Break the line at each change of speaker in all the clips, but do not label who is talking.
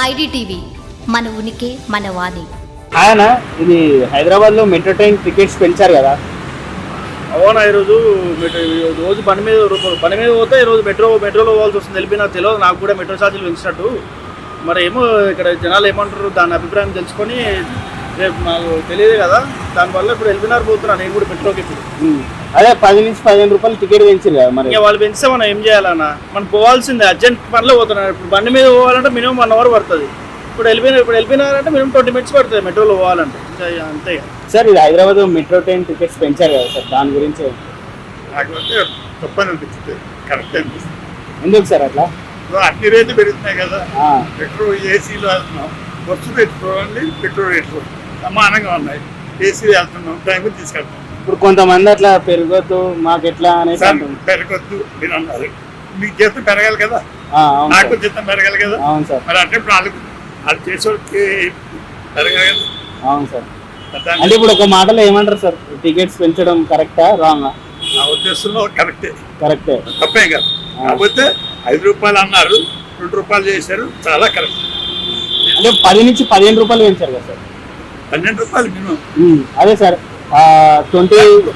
IDTV మన ఉనికి మన వాణి.
ఆయన ఇది హైదరాబాద్లో మెట్రో ట్రైన్ టికెట్స్ పెంచారు కదా.
అవునా, ఈరోజు రోజు పని మీద పోతే ఈరోజు మెట్రోలో పోవాల్సి వస్తుంది. వెళ్ళిపోయినా తెలియదు నాకు కూడా మెట్రో ఛార్జీలు పెంచినట్టు. మరి ఏమో ఇక్కడ జనాలు ఏమంటారు దాని అభిప్రాయం తెలుసుకొని రేపు నాకు తెలియదు కదా, దానివల్ల ఇప్పుడు వెళ్ళిపోయినారు పోతున్నా నేను కూడా మెట్రోకి. ఇప్పుడు
అదే 10 నుంచి 15 రూపాయలు టికెట్ పెంచారు కదా. మరి
వాళ్ళు పెంచితే మనం ఏం చేయాలన్నా, మనం పోవాల్సిందే. అర్జెంట్ పనిలో పోతున్నారు. ఇప్పుడు బండి మీద పోవాలంటే మినిమం 1 అవర్ పడుతుంది. ఇప్పుడు వెళ్ళిపోయినారంటే మినిమం 20 మినిట్స్ పడుతుంది మెట్రోలో పోవాలంటే. అంతే
సార్, ఇది హైదరాబాద్ మెట్రో ట్రైన్ టికెట్స్ పెంచారు కదా సార్, దాని గురించి
నాకంటే తప్పని అనిపిస్తుంది, కరెక్ట్ అనిపిస్తుంది.
ఎందుకు సార్ అట్లా?
అన్ని రేట్లు పెరుగుతున్నాయి కదా. పెట్రోల్ ఏసీలో వెళ్తున్నాం, బస్సు పెట్టుకోవాలి, పెట్రోల్ రేట్లు సమానంగా ఉన్నాయి. ఏసీలో వెళ్తున్నాం, టైం తీసుకెళ్తున్నాం. ఇప్పుడు
కొంతమంది అట్లా పెరగొద్దు మాకు ఎట్లా అనేసి
పెరగొద్దు మీరు అన్నారు. మీకు జీతం పెరగాలి కదా, నాకు జీతం పెరగాలి కదా.
అవును సార్.
మరి అంటే ఇప్పుడు వాళ్ళు చేసేవాళ్ళకి పెరగాలి కదా.
అవును సార్. అంటే ఇప్పుడు ఒక మాటలో ఏమంటారు సార్, టికెట్స్ పెంచడం కరెక్టా రాంగా?
నా ఉద్దేశంలో కరెక్టే. తప్పేం కాదు. కాకపోతే 5 రూపాయలు అన్నారు, 2 రూపాయలు చేశారు, చాలా కరెక్ట్.
అంటే 10 నుంచి 15 రూపాయలు పెంచారు కదా సార్.
12 రూపాయలు మినిమం.
అదే సార్ 20.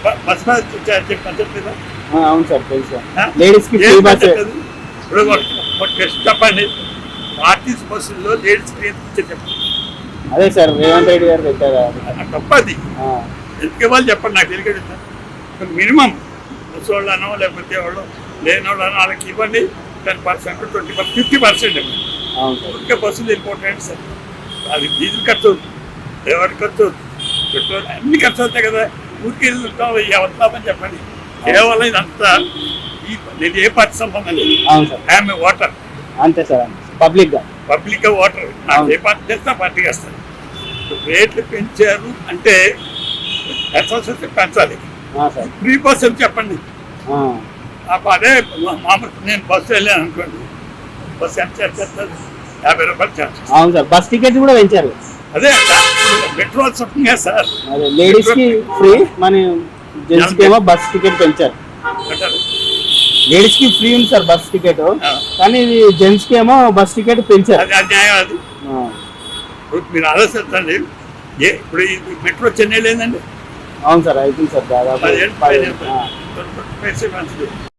అవును సార్, తెలుసు. లేడీస్ కి ఫ్రీ బస్.
చెప్పండి, ఆర్టీసీ బస్సుల్లో లేడీస్ ఫ్రీ చెప్పండి.
అదే సార్, రేవంత్ రెడ్డి గారు పెట్టారు.
తప్పది. ఎందుకే వాళ్ళు చెప్పండి, నాకు తెలియదు. మినిమం ముసోళ్ళనో లేకపోతే వాళ్ళు లేని వాళ్ళనో వాళ్ళకి ఇవ్వండి. 10%, 20%, 50% ఇవ్వండి. ఇంకా బస్సులు వెళ్ళిపోతాయండి సార్. అది డీజిల్ ఖర్చు అవుతుంది, ఎవరి ఖర్చు అవుతుంది, పెట్రోల్ అన్ని ఖర్చు అవుతాయి కదా. ఊరికి వెళ్తుంటాం, వస్తామని చెప్పండి. కేవలం ఇదంతా నేను ఏ పార్టీ సంబంధం లేదు. I'm a voter.
అంతే సార్, పబ్లిక్
గా ఓటర్. నాకు ఏ పార్టీ చేస్తే ఆ పార్టీకి వస్తాను. రేట్లు పెంచారు అంటే ఎస్ఎస్ఎస్సీ పెంచాలి. ఫ్రీ బస్ అని చెప్పండి. అదే మామూలు నేను బస్సు వెళ్ళాను అనుకోండి, బస్సు ఎంత చేస్తారు? 50 రూపాయలు ఛార్జ్.
అవును సార్, బస్ టికెట్స్ కూడా పెంచారు.
అదే పెట్రోల్ చెప్పండి సార్.
లేడీస్ కి ఫ్రీ, మన జెంట్స్ కి ఏమో బస్ టికెట్ పెంచారు. లేడీస్ కి ఫ్రీ ఉంది సార్ బస్ టికెట్, కానీ ఇది జెంట్స్ కి ఏమో బస్ టికెట్ పెంచారు.
అది అన్యాయం. అది మీరు ఆలోచించండి. ఇప్పుడు మెట్రో చెన్నై లేదండి.
అవును సార్, అవుతుంది సార్, దాదాపు
10 మంచిది.